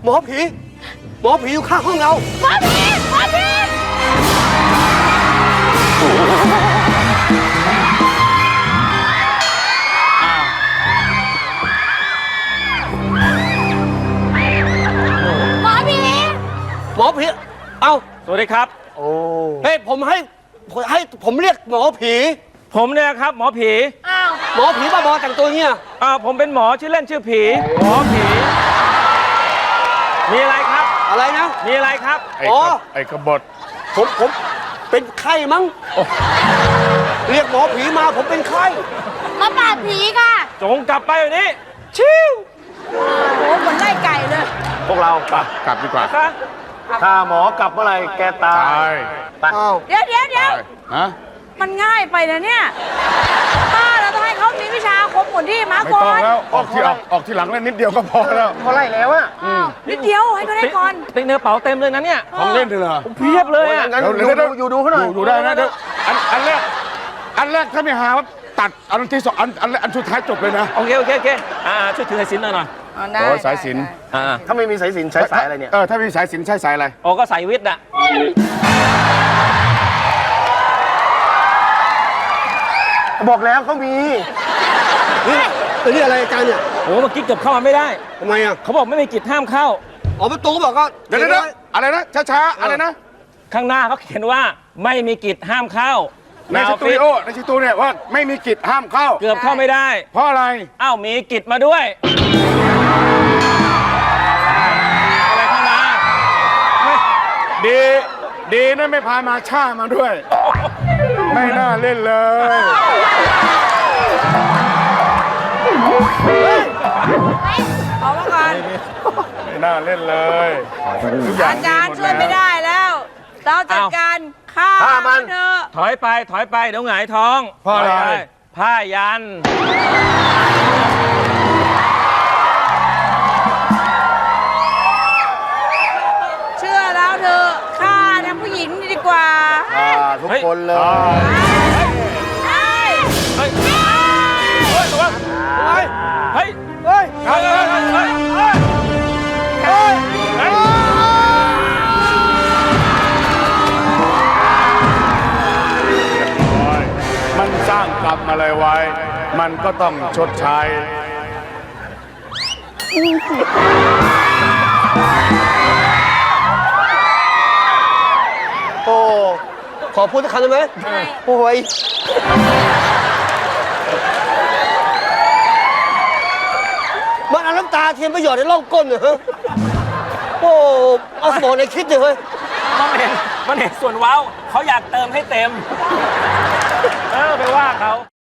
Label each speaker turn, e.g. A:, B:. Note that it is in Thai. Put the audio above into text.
A: มอผีอยู่ข้างห้องเรา
B: หมอผี
A: เอ้า
C: สวัสดีครับ
A: โอ้เฮ้ยผมเรียกหมอผี
C: ผมเนี่ยครับหมอผี
B: อ้าว
A: หมอผีบ้าบอแต่งตัวเงี้ย
C: ผมเป็นหมอชื่อเล่นชื่อผี หมอผี มีอะไรครับ
A: อะไรนะ
C: มีอะไรครับ
D: ไอ้กบฏ
A: ผมเป็นไข้มั้งเรียกหมอผีมาผมเป็นไข้
B: มาปราบผีค่ะ
C: จงกลับไปแบบนี้
A: ชิว
B: โอ้โหเหมือนไล่ไก่เลย
E: พวกเราไป
D: กลับดีกว่า
C: ซะ
E: ถ้าหมอกลับเมื่อไหร่แกตา
D: ตาย ย
E: ไป
A: อ้าว
B: เดี๋ยว
D: ฮะ
B: มันง่ายไปนะเนี่ยป้าเราต้องให้เขามีวิชาอาคมหมุนที่มา
D: ไม่
B: ก่อ
D: ต้อง
B: น
D: แล้วออกที่หลังแล้วนิดเดียวก็พอแล้ว
E: เขาไล่แล้วอะ
B: นิดเดียวให้เขาได้ก่อน
C: ติ๊กเนื้อเป๋าเต็มเลยนะเนี่ย
D: ของเล่นเลยเหรอ
C: เพียบเลยอ่ะ
E: งั้น
D: เดี๋ยว
E: อยู่ดูเขาหน่อย
D: อยู่ได้นะเดี๋ยวอันแรกถ้าไม่หาว่าตัดอันที่สองอันสุดท้ายจบเลยนะ
C: โอเคช่วยถือสายสิญจน์หน่อย
B: ได้
D: โอ้ยสายสิญจน์
E: ถ้าไม่มีสายสิญจน์ใช้สายอะไรเนี่ย
D: ถ้ามีสายสิญจน์ใช้สายอะไร
C: โอ้ก็สายวิทย์อ่ะ
E: บอกแล้วเขามี
A: นี่อะไรอาจารย์เนี่ย
C: โอ้เมื่อกี้เกือบเข้ามาไม่ได้
A: ทำไมอ่ะ
C: เขาบอกไม่มีกิจห้ามเข้า
A: อ๋อประตูบอกก็
D: เดี๋ยวอะไรนะช้าๆอะไรนะ
C: ข้างหน้าเขาเขียนว่าไม่มีกิจห้ามเข้า
D: ในสตูดิโอเนี่ยว่าไม่มีกิจห้ามเข้า
C: เกือบเข้าไม่ได้
D: เพราะอะไร
C: อ้าวมีกิจมาด้วย อะไรเข้ามาไม่
D: ดีนะไม่พามาช่ามาด้วย ไม่น่าเล่นเลย
B: เอามาก่อน
D: ไม่น่าเล่นเลยทุกอย่าง
B: อาจารย์ช่วยไม่ได้แล้ว เราจัดการฆ่ามันเถอะ
C: ถอยไปเดี๋ยวหงายท้อง
D: เพราะอะไร
C: ถยปผ้ายัน
B: เชื่อแล้วเถอะฆ่าทั้งผู้หญิงดีกว่า
E: ทุกคนเลย
B: ใช่
C: เฮ้ยระวังเฮ้ย
A: เฮ้ย
C: เฮ้ยเฮ้ย
D: มันสร้างกรรมอะไรไว้ มันก็ต้องชดใช้
A: โอ้ขอพูดสักคำได้ไหมโอ้ยมันเอาน้ำตาเทียมประโยชน์ในร่องก้นเหรอฮะโอ้เอาสมองในคิดเลยเฮ้ย
C: มันเห็นส่วนเว้าเขาอยากเติมให้เต็ม ไปว่าเขา